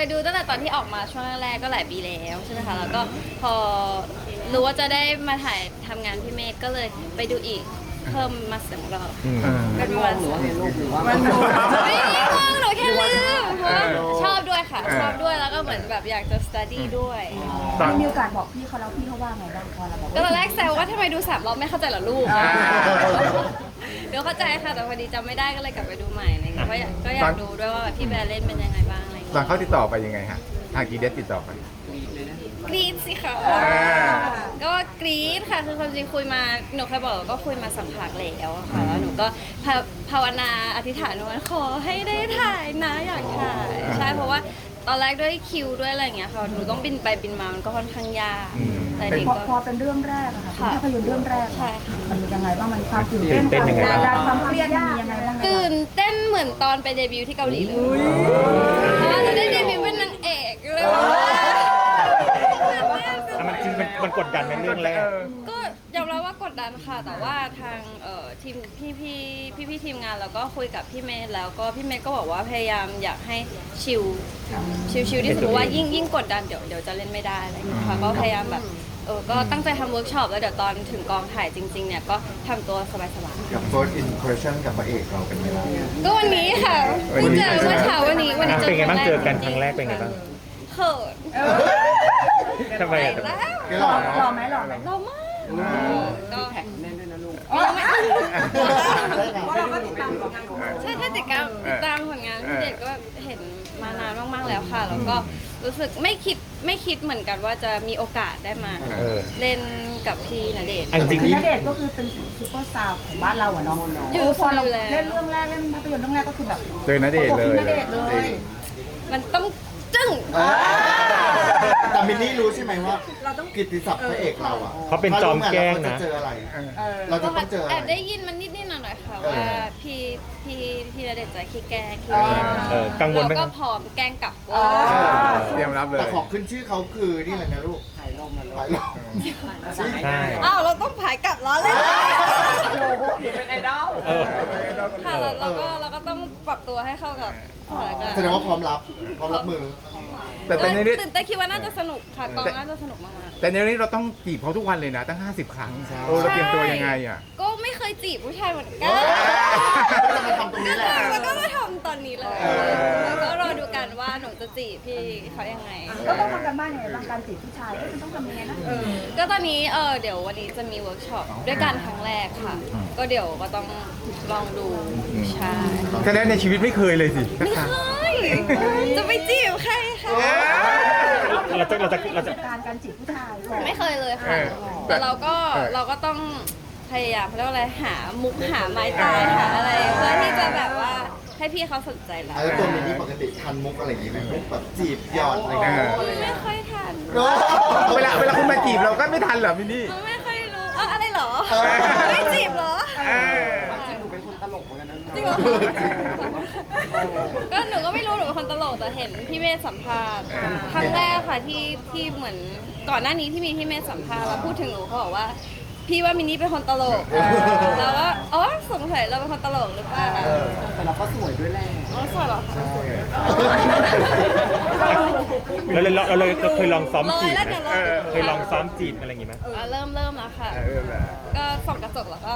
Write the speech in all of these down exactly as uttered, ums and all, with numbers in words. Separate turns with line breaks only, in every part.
ดูตั้งแต่ตอนที่ออกมาช่วงแรกๆก็หลายปีแล้วใช่ไหมคะแล้วก็พอรู้ว่าจะได้มาถ่ายทำงานพี่เมฆก็เลยไปดูอีกเพิ่มมาสองรอบเป็นวันหรือว่าเป็นลูกหรือว่าไม่ห้องหนูแค่ลืมเพราะว่าชอบด้วยค่ะชอบด้วยแล้วก็เหมือนแบบอยากจะ study ด้วย
มีโอกาสบอกพี่เขาแล้วพี่เขาว่าไงบ้างพอเราบอก
ก็ตอนแรกแซวว่าทำไมดูสามรอบไม่เข้าใจเหรอลูกเดี๋ยวเข้าใจค่ะแต่พอดีจำไม่ได้ก็เลยกลับไปดูใหม่อะไรเงี้ยเพราะก็อยากดูด้วยว่าพี่แบร์เล่นเป็นยังไงบ้างอะไรเงี้ย
ตอนเขาติดต่อไปยังไงฮะทางกีเดสติดต่อไป
กรี๊ดสิค่ะก็กรี๊ดค่ะคือความจริงคุยมาหนูเคยบอกก็คุยมาสักพักแล้วค่ะแล้วหนูก็ภาวนาอธิษฐานว่าขอให้ได้ถ่ายนะอยากถ่ายใช่เพราะว่าตอนแรกด้วยคิวด้วยอะไรอย่างเงี้ยค่ะหนูต้องบินไปบินมามันก็ค่อนข้างยากแต่เด็กก็
พอเป็นเรื่องแรกอะค่ะภาพยนตร์เรื่องแรก
ใช่
มันยังไงบ้างมันความตื่นเต้นความกดดันความเครียดมียังไงบ้าง
ตื่นเต้นเหมือนตอนไปเดบิวต์ที่เกาหลีเลยเพราะว่าจะได้เดบิวต์เป็นนางเอกเลย
มันจริงมันกดดันในเรื่องแรก
ก็ยอมรับว่ากดดันค่ะแต่ว่าทางเอ่อทีมพี่พี่พี่พี่ทีมงานแล้วก็คุยกับพี่เมย์แล้วก็พี่เมย์ก็บอกว่าพยายามอยากให้ชิลชิลชิลที่สุดว่ายิ่งยิ่งกดดันเดี๋ยวเดี๋ยวจะเล่นไม่ได้อะไรอย่างเงี้ยค่ะก็พยายามแบบเออก็ตั้งใจทำเวิร์กช็อปแล้วเดี๋ยวตอนถึงกองถ่ายจริงๆเนี่ยก็ทำตัวสบายๆ
กับ first impression กับพระเอกเราเป็นไงบ้าง
ก็วันนี้ค่ะเพิ่งเจอเมื่อเช้าวันนี้วันนี้เจอ
เป็นไงบ้างเจอกันครั้งแรกเป็นไงบ้าง
เขิน
ทำไมอ่ะ
หล่อหล่อไหมหล่อไหม
หล่อมากก็แข็งแน่นด้วยนะลูกใช่ถ้าติดตามติดตามผลงานพี่เด็กก็เห็นมานานมากๆแล้วค่ะแล้วก็รู้สึกไม่คิดไม่คิดเหมือนกันว่าจะมีโอกาสได้มาเล่นกับพี่ณเดชน์
จริงณเดชน์ก็คือเป็นซุปเปอร์สตาร์ของบ้านเราอะเนาะอยู่พอเราเล่นเรื่องแรกเล่นภาพยนตร์เรื่องแรกก็คือแบบ
เจอณเดชน์เลย
มันต้องจึ้ง
แต่มินนี่รู้ใช่ไหมว่ากิตติศัพท์พระเอกเราอ่ะ
เขาเป็นจอมแกล้งนะ
เราจะเจออะไรเราจะต้องเจออะไร
แอบได้ยินมันนิดๆหน่อยๆค่ะว่าพี่พี่พี่ณเดชน์จะขี้แกล้งขี้เล่น
กังวลไหม
เราก็พร้อมแกล้งกลับ
เตรียมรับเลย
แต่ของขึ้นชื่อเขาคือนี่แหละนะลูกถ่ายลมถ่ายลม
ใช่
อ้าวเราต้องผายกลับล้อเลย
เป็นไอดอล
ค่ะเราก็เราก็ต้องปรับตัวให้เข้ากับสถานการณ์
แสดงว่าพร้อมรับพร้อมรับมือ
แต่แต่ในนี้
ตื่นเต้นคิดว่าน่าจะสนุกค่ะกองน่าจะสนุกมาก
แต่ในนี้เราต้องจีบเขาทุกวันเลยนะตั้งห้าสิบครั้งโอ้เราเตรียมตัวยังไงอ่ะ
ก็ไม่เคยจีบผู้ชายเหมือนกัน
จะมาทำตรงนี้แหละ
แล้วก็มาทำตอนนี้เลยแล้วก็รอดูกันว่าหนูจะจีบพี่เขายังไง
ก็ต้องทำกันบ้านยังไงบ้างการจีบผู้ชายก็ต้องทำยังไงนะ
ก็ตอนนี้เออเดี๋ยววันนี้จะมีเวิร์กช็อปด้วยกันครั้งแรกค่ะก็เดี๋ยวก็ต้องลองดูใช่
แค่นั้นในชีวิตไม่เคยเลยสิ
ไม่เคยจะไปจีบใครคะ
เราจะเราจะเราจะ
การการจีบผู้ชาย
ไม่เคยเลยค่ะแต่เราก็เราก็ต้องพยายามเรียกว่าอะไรหามุกหาไม้ตายหาอะไรเพื่อที่จะแบบว่าให้พี่เขาสนใจเรา
แล้วตัวมินนี่ปกติทันมุกอะไรอย่างงี้ไหมแบบจีบหยอดอะไรเงี้ย
ไม่ค่อยทัน
เวลาเวลาคุณมาจีบเราก็ไม่ทันเหรอมินนี่
ไม่ค่อยรู้เอออะไรเหรอไม่จีบเหรอ
จริงหนูเป็นคนตลกเหมือนกันนะ
จริงเหรอก็หนูก็ไม่รู้หนูเป็นคนตลกแต่เห็นพี่เมธสัมภาษณ์ครั้งแรกค่ะที่ที่เหมือนก่อนหน้านี้ที่มีพี่เมธสัมภาษณ์แล้วพูดถึงหนูเขาบอกว่าพี่ว่ามินนี่เป็นคนตลกแล้วว่าอ๋อสงสัยเราเป็นคนตลกหรือเปล่า
แต่เราก็สวยด้วยแหละ
อ๋อสวยเหรอคะ
เราเลยเราเลยเคยลองซ้อมจีบเคยลองซ้อมจีบอะไรอย่างงี้ไหม
เริ่มเริ่มแล้วค่ะก็ส่องกระจกแล้วก็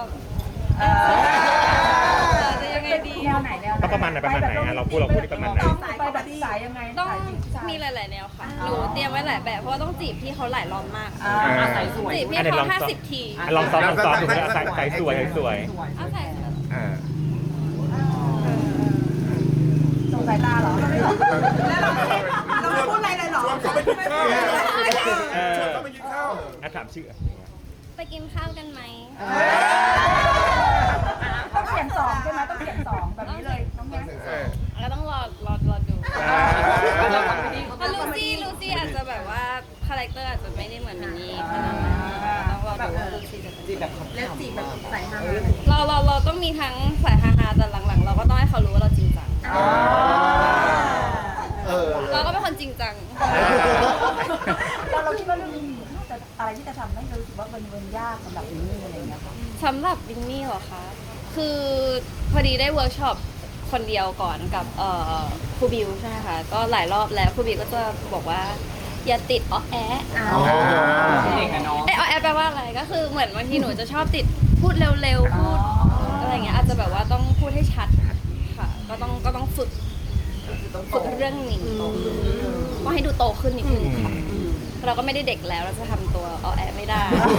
จะยังไงดี
แนวไหนแนวไหน
ประมาณไหนประมาณไหนเราพูดเราพูดประมาณไหน
ไปแบบสายยังไง
ต้องมีหลายๆแนวค่ะหนูเตรียมไว้หลายแบบเพราะว่าต้องจีบพี่เขาหลายรอบมากจีบพี่เขาห้าสิบที
ลองซ้อมลองซ้อมดูนะใส่สวยสวย
เอาใส่
สงสายตาเหรอเราไม่พูดอะไรเลยเหรอชวนเขาไปกินข้าว
ชวนเขาไปกินข้าวอ่ะถามชื่อ
ไปกินข้าวกันไหม
ต้องเขียนสองใช่ไหมต้องเขียนสองแบบนี้เลยน้องแง่
ก็ต้องรอรอรอดูเพราะลูซี่ลูซี่อาจจะแบบว่าคาแรคเตอร์อาจจะไม่ได้เหมือนมินนี่ขนาดนั้นต้องรอดูว่าลูซี่จะเป็นแบบ
เล่นจีบแบบใส่ฮา
เราเราเราต้องมีทั้งสายฮาๆแต่หลังๆเราก็ต้องให้เขารู้ว่าเราจริงจังเราก็เป็นคนจริงจัง
เราเราคิดว่าเรื่องนี้จะอะไรที่จะทำให้เรารู้สึกว่ามันมันยากสำหรับวินนี่อะไรอย่างเงี้ยค่ะ
สำหรับวินนี่เหรอคะคือพอดีได้เวิร์กช็อปคนเดียวก่อนกับเอ่อครูบิวใช่ไหมคะก็หลายรอบแล้วครูบิวก็จะบอกว่าอย่าติดอ้อแอะ
อ๋อ
เด็กกับน้อง
ไออ้อแอะแปลว่าอะไรก็คือเหมือนบางทีหนูจะชอบติดพูดเร็วๆพูดอะไรอย่างเงี้ยอาจจะแบบว่าต้องพูดให้ชัดค่ะก็ต้องก็ต้องฝึกฝึกเรื่องนี้ก็ให้ดูโตขึ้นนิดนึงค่ะเราก็ไม่ได้เด็กแล้วเราจะทำตัวอ้อแอะไม่ได้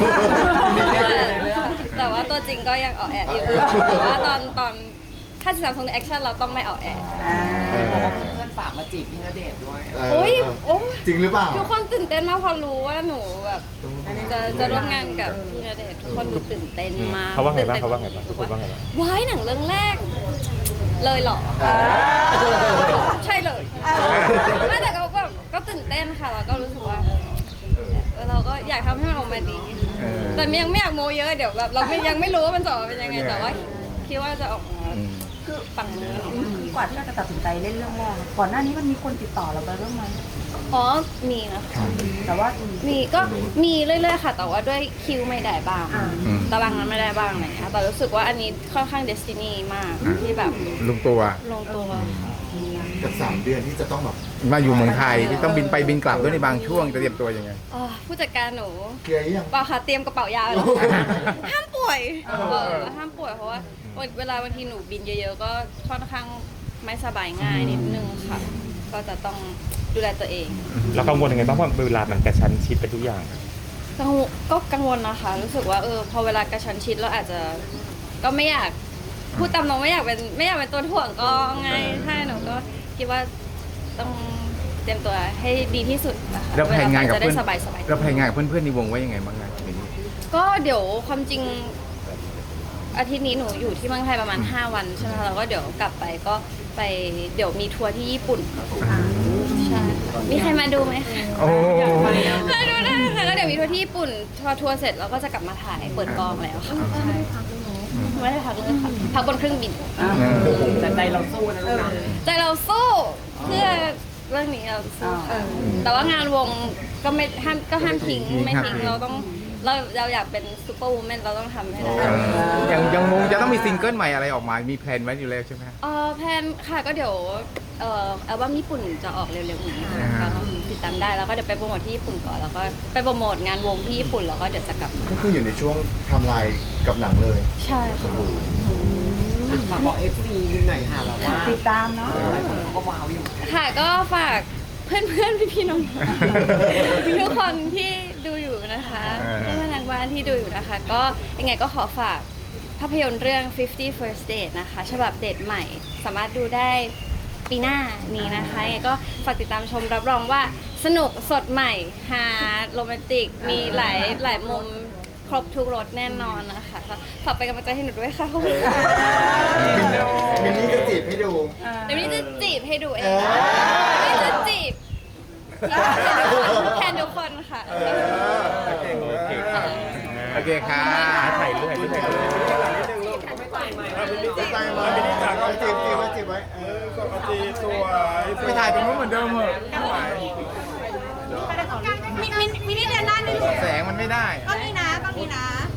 แต่ว่าตัวจริงก็ยังอ้อแอะอยู่แต่ว่าตอนตอนถ้าจะทำทรงในแอคชั่นเราต้องไม่อ้อแอะ
เพื่อนฝากมาจีบพี่ณเดชน์ด้วย
เออ
โอ้ยโอ้ย
จริงหรือเปล่า
ทุกคนตื่นเต้นมากพอรู้ว่าหนูแบบจะจะร่วมงานกับพี่ณเดชน์ทุกคนดูตื่นเต้นมาก
เขาว่าไงบ้างเขาว่าไงบ้างทุกคนว่าไงบ้าง
ว้ายหนังเรื่องแรก เลยเหรอใช่เลยไม่แต่ก็แบบก็ตื่นเต้นค่ะแล้วก็รู้สึกว่าเออเราก็อยากทำให้มันออกมาดี
เออ
แต่ยังไม่อยากโมเยอะเดี๋ยวแบบเราไม่ยังไม่รู้ว่ามันจะออกมาเป็นยังไงแต่ว่าคิดว่าจะออกมา
อืม
คือปังมือ
กว่าที่เราจะตัดสินใจเล่นเรื่องแรกก่อนหน้านี้มันมีคนติดต่อเราไปเรื่องไหม
อ๋อมีนะคะ
แต่ว่า
มีก็มีเรื่อยๆค่ะ แต่ว่าด้วยคิวไม่ได้บ้าง
อืม
ตารางนั้นไม่ได้บ้างอะไรเงี้ยแต่รู้สึกว่าอันนี้ค่อนข้างเดสตินีมากที่แบบ
ลุงตัว
ลงตัว
กับสามเดือนที่จะต้องแบบ
มาอยู่เมืองไทยที่ต้องบินไปบินกลับด้วยในบางช่วงจะเตรียมตัวยังไง
อ๋อผู้จัดการหนู
เคลียร์หรือยัง
เปล่าค่ะเตรียมกระเป๋ายาไว้แล้วห้ามป่วยเออห้ามป่วยเพราะว่าเวลาบางทีหนูบินเยอะๆ ก็ค่อนข้างไม่สบายง่ายนิดนึงค่ะ ก็จะต้องดูแลตัวเอง
เรากังวลยังไงบ้างว่าเวลามันกระชั้นชิดไปทุกอย่าง
กังวลก็กังวลนะคะ รู้สึกว่าเออพอเวลากระชั้นชิดเราอาจจะก็ไม่อยากพูดตามตรงไม่อยากเป็นไม่อยากเป็นตัวถ่วงก็ไงใช่หนูก็คิดว่าต้องเตรียมตัวให้ดีที่สุดนะคะ
แล้วแผนงานกับ
จะได้
เพื่อน
สบายสบาย
แล้วแผนงานกับเพื่อนๆในวงไว้ยังไงบ้างงานนี้
ก็เดี๋ยวความจริงอาทิตย์นี้หนูอยู่ที่เมืองไทยประมาณห้าวันใช่ไหมคะแล้วก็เดี๋ยวกลับไปก็ไปเดี๋ยวมีทัวร์ที่ญี่ปุ่นใช่มีใครมาดูไหมคะ
โอ้
มาดูได้ค่ะแล้วเดี๋ยวมีทัวร์ที่ญี่ปุ่นพอทัวร์เสร็จเราก็จะกลับมาถ่ายเปิดกองแล้วค่ะใช่ไม่ได้พักเลยค่ะพักบนเครื่องบิน
แต่ใจเราสู้นะลูกนะ
ใจเราสู้เพื่อเรื่องนี้เราสู้ค่ะแต่ว่างานวงก็ไม่ห้ามก็ห้ามทิ้งไม่ทิ้งเราต้องเราเราอยากเป็นซูเปอร์วูแมนเราต้องทำให้ได้
ยังยังวงจะต้องมีซิงเกิลใหม่อะไรออกมา มีแพลนไว้อยู่แล้วใช่ไหม
เออแพลนค่ะก็เดี๋ยวเอ่ออัลบั้มญี่ปุ่นจะออกเร็วๆนี้นะคะก็ติดตามได้แล้วก็เดี๋ยวไปโปรโมทที่ญี่ปุ่นก่อนแล้วก็ไปโปรโมทงานวงที่ญี่ปุ่นแล้วก็เดี๋ยวจะกลับมา
ก็คืออยู่ในช่วงทำลายกับหนังเลย
ใช่ค่ะ
ฝากบอกเอฟซีหน่อยค่ะแบบว่าติดตามเนาะหลายคนเขาก็ว้าวอยู่
ค่ะก็ฝากเพื่อนๆพี่ๆน้องๆทุกคนที่ดูอยู่นะคะเพื่อนๆทางบ้านที่ดูอยู่นะคะ ก็ยังไงก็ขอฝากภาพยนตร์เรื่อง fifty first date นะคะฉบับเดทใหม่สามารถดูได้ปีหน้านี้นะคะยังไงก็ฝากติดตามชมรับรองว่าสนุกสดใหม่ฮาโรแมนติกมีหลายหลายมุมครบทุกรสแน่นอนนะคะก็ฝากเป็นกำลังใจให้หนูด้วยค่ะขอบคุณค่ะ
มินนี่จะจีบให้ดู
เดี๋ยวนี้จะจีบให้ดูเอ
เอง อ
เดี๋ยวนี้จะจีบแทนทุกคนค่ะ
โอเคค่ะโอเคค่ะ
ถ่ายเรื่อยถ่ายเรื่อย
ใจมาไม่ได้จากจีบจีบไว้จีบไว้เออ
ไปถ่ายตรงนู้นเหมือนเดิมเหรอ
มินมินมินนี่เดินหน้านิดนึง
แสงมันไม่ได้
ก็นี่นะก็นี่นะ